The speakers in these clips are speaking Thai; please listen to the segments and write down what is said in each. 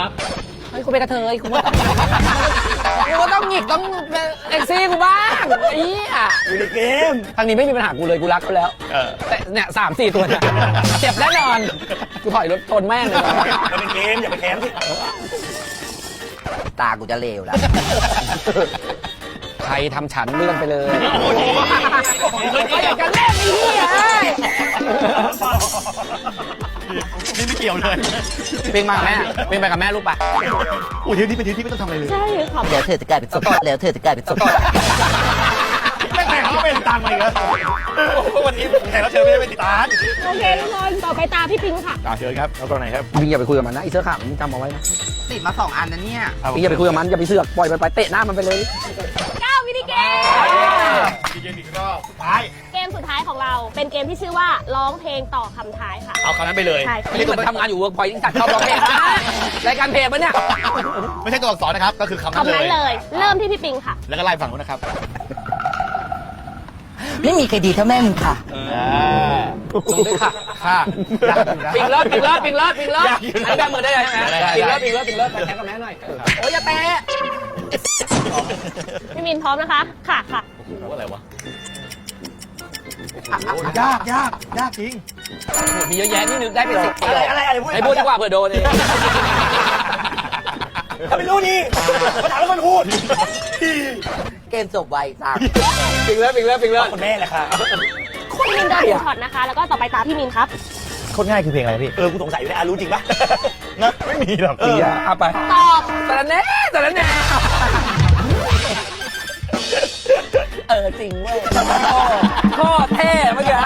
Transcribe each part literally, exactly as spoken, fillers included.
เฮ้ยกูเป็นกระเทยกูว่ากูก็ต้องหงิกต้องเอ็กซี่กูบ้างไอ้เหี้ยอยู่ในเกมทางนี้ไม่มีปัญหากูเลยกูรักเขาแล้วแต่เนี่ยสามสี่ตัวเนี่ยเจ็บแน่นอนกูถอยรถชนแม่งเลยมันเป็นเกมอย่าไปแค้นสิตากูจะเลวแล้วใครทำฉันเลื่อนไปเลยก็อยากจะเล่นไอ้เหี้ยนี่ไม่เกี่ยวเลยปิงมากับแม่ปิงไปกับแม่ลูกปะโอ้ยทีนี้เป็นทีที่ไม่ต้องทำอะไรเลยใช่ค่ะแล้วเธอจะกลายเป็นศพแล้วเธอจะกลายเป็นศพไม่แต่เขาเป็นตังค์มาอีกแล้ววันนี้แขกรับเชิญไม่ได้เป็นตังค์โอเคทุกคนต่อไปตาพี่ปิงค่ะเชิญครับเอาตรงไหนครับปิงอย่าไปคุยกับมันนะไอ้เสื้อขาวมึงจำเอาไว้นะติดมาสองอันนะเนี่ยปิงอย่าไปคุยกับมันอย่าไปเสือกปล่อยมันไปเตะหน้ามันไปเลยเก้ามินิเกมดีเจอีกรอบสุดท้ายเกมสุดท้ายของเราเป็นเกมที่ชื่อว่าร้องเพลงต่อคำท้ายค่ะเอาคำนั้นไปเลยใช่ไม่ใช่คนทำงานอยู่เวิร์กพอยต์ที่จัดเข้าร้องเพลงนะรายการเพลงปะเนี่ยไม่ใช่ตัวอักษรนะครับก็คือคำนั้นคำนั้นเลเลย ย เริ่มที่พี่ปิงค่ะแล้วก็ไล่ฝั่งนู้นนะครับไม่มีใครดีเท่าแม่มึงค่ะลงด้วยค่ะค่ะปิงเลิศปิงเลิศปิงเลิศปิงเลิศอันนี้แบบมือได้เลยใช่ไหมปิงเลิศปิงเลิศปิงเลิศแข่งกับแม่หน่อยโอ้ยอย่าแตะพี่มินพร้อมนะคะ ค่ะค่ะว่าอะไรวะยากยากยากจริงมีเยอะแยะนี่นึกได้เป็นสิบอะไรอะไรอะไรพูดไอ้พูดดีกว่าเผื่อโดนเองถ้าไม่รู้นี่มาถามแล้วมันพูดเกมจบไวจังปิงเลิศปิงเลิศปิงเลิศคนแม่แหละค่ะพี่มินโดนหนึ่งช็อตนะคะ แล้วก็ต่อไปตาพี่มินครับโคตรง่ายคือเพลงอะไรพี่เออกูสงสัยอยู่เลยอ่ะรู้จริงปะนะไม่มีหรอกเออเอาไปตอบแต่ละแน่แต่ละแน่เออจริงเว้ยโคตรเท่เมื่อกี้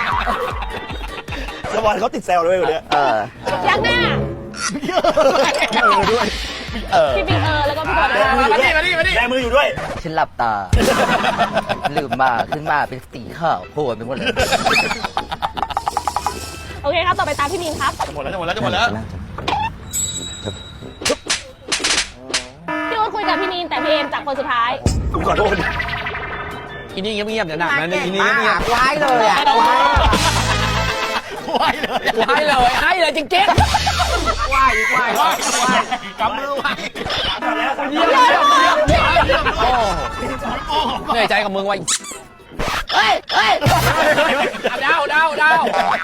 สวรรค์เขาติดแซวเลยอยู่เนี่ยเออยักหน้าเออด้วยเออพี่ปิงเออ แล้วก็พี่บอลแบนะมือคะอยู่ด้วยแบมืออยู่ด้วยฉันหลับตา ลืมมาขึ้นมาเป็นสีขาวโพลนไปหมดเลยโอเคครับ ต่อไปตาพี่มินครับจะหมดแล้วจะหมดแล้วจะหมดแล้วพี่อู๊ดคุยกับพี่มินแต่พี่เอมจับคนสุดท้ายกูขอโทษอีนี่เงียบๆเดี๋ยวหนักนะอีนี่เงียบไว้เลยอ่ะไหวเลยๆให้เลยให้เลยจริงๆไหวไหวไหวกำมือไหวทำแล้วเยี่ยมเยี่ยมเยี่ยมเยี่ยมเยี่ยมโอ้เหนื่อยใจกับมึงว่ะเฮ้ยเฮ้ยเดาเดาเดา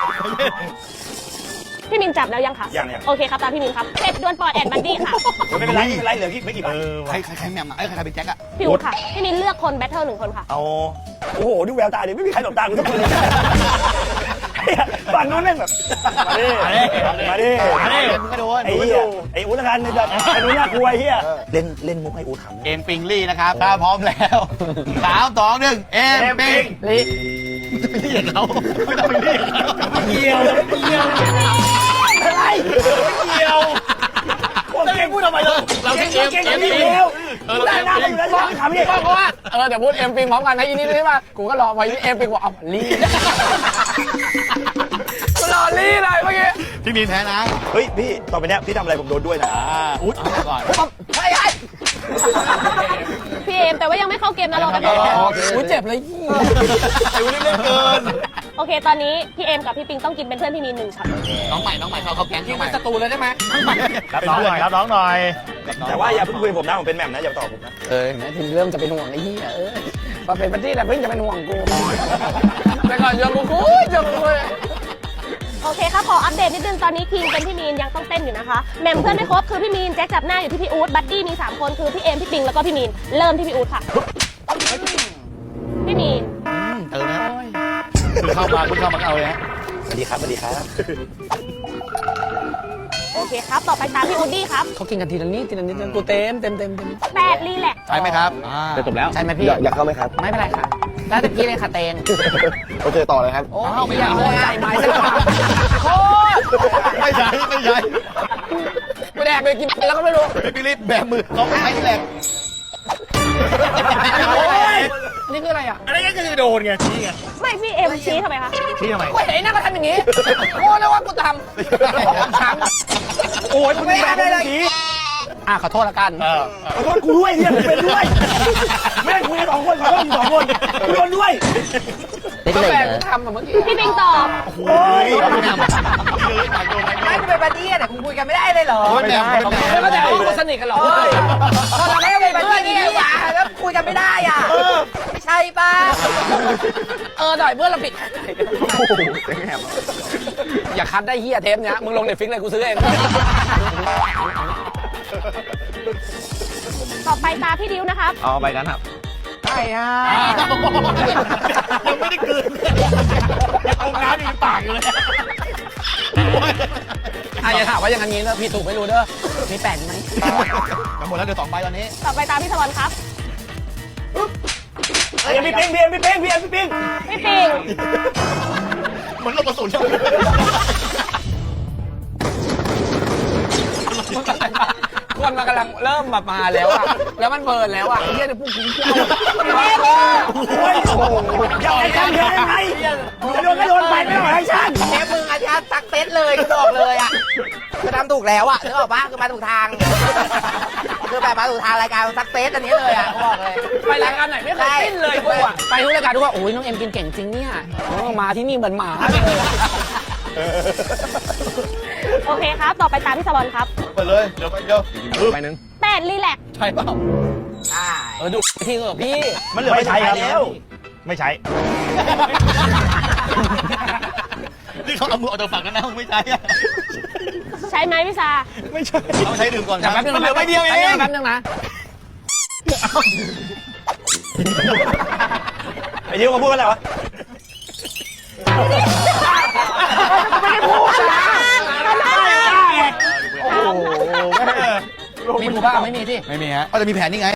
พี่มินจับแล้วยังคะยังยังโอเคครับ ตามพี่มินครับเป็ดดวลปอดแอดบันดี้ค่ะไม่เป็นไรไม่เป็นไรเหลือกี่ไม่กี่บาทใครใครใครแมมอ่ะไอ้ใครใครเป็นแจ็คอ่ะพี่อู๊ดค่ะ พี่มินเลือกคนแบทเทิลหนึ่งคนค่ะเอาโอ้โหดูแววตาดิไม่มีใครหลบตากูสักคนเลยฝั่งนู้นแม่งแบบมาดิมาดิมาดิมึงก็โดนไอ้เหี้ยไอ้อุ้นละกันแบบไอ้นู้นน่ากลัวไอ้เหี้ยเล่นเล่นมุกให้อูทำเกมปิงลี่นะครับถ้าพร้อมแล้วสามสองหนึ่งเอ็มปิงลิจะไปเรียกเขาไม่ต้องไปเรียกเขาเกี่ยวไม่เกี่ยวอะไรไม่เกี่ยวคนเก่งพูดทำไมเราเราเก่งเก่งเก่งแล้วได้หน้าไปอยู่แล้วจะทำยังไงเพราะว่าเออเดี๋ยวพูดเอ็มปิงพร้อมกันนะอีนี่ใช่ป่ะกูก็รอไว้เอ็มปิงบอกเอาลีกูรอลีเลยเมื่อกี้พี่มีนแพ้นะเฮ้ยพี่ต่อไปเนี้ยพี่ทำอะไรผมโดนด้วยนะอ่าอุ๊ยเอาก่อนเฮ้ยเฮ้ยพี่เอมแต่ว่ายังไม่เข้าเกมนะรอกันก่อนอุ้ยเจ็บเลยไอ้วุ้นเล่นเกินโอเค ตอนนี้พี่เอมกับพี่ปิงต้องกินเป็นเพื่อนพี่มินหนึ่งช็อตน้องใหม่น้องใหม่เขาเขาแก๊งยิน้งองใหเป็ม่นศัตรูเลยได้ไหมรับน้องหน่อยรับน้องหน่อยแต่แต่ว่าว่าอย่าเพิ่งคุยกับผมนะผมเป็นแหม่มนะอย่าตอบผมนะเออนะทีเริ่มจะเป็นห่วงไอ้เหี้ยเออมาเป็นปาร์ตี้แต่เพิ่งจะเป็นห่วงกูแต่ก่อนยังกูกูยังกูโอเคครับขออัปเดตนิดนึงตอนนี้ทีมเป็นพี่มีนยังต้องเต้นอยู่นะคะแมมเพื่อนไม่ครบคือพี่มีนแจ็คจับหน้าอยู่ที่พี่อู๊ดบัดดี้มีสามคนคือพี่เอมพี่ปิงแล้วก็พี่มีนเริ่มที่พี่อู๊ดค่ะพี่มีนเออนะคือเข้ามาคุณเข้ามาเอาเลยฮะสวัสดีครับสวัสดีครับโอเคครับต่อไปตามพี่อูดดี้ครับเขากินกันทีละนิดทีละนิดกูเต็มเต็มเต็มเต็มแปดรีแลกซ์ใช่ไหมครับจะจบแล้วใช่ไหมพี่อยากเข้าไหมครับไม่เป็นไรค่ะได้ตะกี้เลยค่ะเตนโอเคต่อเลยครับโอ้ไม่อยากโคตรใจไม้สักโคตรไม่ใช่ไม่ใช่กูแดกไปกินแล้วก็ไม่รู้พี่ปิลิปแบมือเขาไม่ใช่แหลกนี่คืออะไรอ่ะอะไรก็คือโดนไงชี้ไงไม่พี่เอมชี้ทำไมคะชี้ทำไมกูเห็นไอ้นั่นก็ทำอย่างนี้โอ้แล้วว่ากูทำช้ำโอ้ยคุณแม่ไม่ได้ทีอ่ะขอโทษละกันเออขอโทษกูด้วยเนี่ยกูเป็นด้วยแม่งคุยกันสองคนขอโทษมึงสองคนกูโดนด้วยเป็นก็เลยแฟนเหรอทำแบบเมื่อกี้พี่ปิงตอบโอ้ยไม่เป็นบัดดี้แต่คุณคุยกันไม่ได้เลยเหรอไม่ได้ไม่ได้ไม่เข้าใจว่าคุณสนิทกันเหรอพอเราไม่เป็นบัดดี้อ่ะแล้วคุยกันไม่ได้อ่ะไม่ใช่ป่ะเออหน่อยเพื่อนเราปิดอย่าคัดได้เฮียเทปเนี้ยมึงลงเน็ตฟิกเลยกูซื้อเองต่อไปตาพี่ดิวนะครับเอาไปนั้นครับใช่ฮะยังไม่ได้กลืนยังเอาน้ำอยู่ในปากอยู่เลยอ่ะอย่าถามว่าอย่างนี้นะพี่ถูกไม่รู้เด้อมีแปดไหมกันหมดแล้วเดี๋ยวสองใบตอนนี้ต่อไปตาพี่สวรรค์ครับเฮ้ยพี่ปิงพี่เอ็มพี่ปิงพี่เอ็มพี่ปิงพี่ปิงเหมือนลูกกระสุนใช่ไหมคนมันกำลังเริ่มแบบมาแล้วอ่ะแล้วมันเบิร์นแล้วอ่ะเฮียเนี่ยพวกกูเที่ยวโอ้ยอยากให้ฉันเห็นได้ไงจะโดนก็โดนไปไม่ต้องให้ฉันเชฟมึงอาจารย์ซักเซตเลยกูบอกเลยอ่ะคือทำถูกแล้วอ่ะนึกออกปะคือมาถูกทางคือแบบมาถูกทางรายการซักเซตอันนี้เลยอ่ะกูบอกเลยไปรายการไหนไม่เคยสิ้นเลยกูอ่ะไปทุกรายการทุกว่าโอ้ยน้องเอ็มกินเก่งจริงเนี่ยมาที่นี่เหมือนหมาโอเคครับ ต่อไปตาพี่สวรรค์ครับไปเลยเดี๋ยวไปเดี๋ยวไปหนึ่งแปดรีแลกซ์ใช่เปล่าใช่เออดูที่เออพี่มันเหลือไม่ใช้ครับแล้วไม่ใช้นี่เขาเอามือออกจากฝั่งกันนะมึงไม่ใช้อะใช้ไหมพี่ซาไม่ใช่เอาใช้ดื่มก่อนคแต่รับแป๊บนึงมันเหลือใบเดียวเองแป๊บนึงนะไอ้ดิวมาพูดอะไรวะไม่ได้พูดนะมีกูบ้าไม่มีที่ไม่มีฮะก็จะมีแผนนี่ไง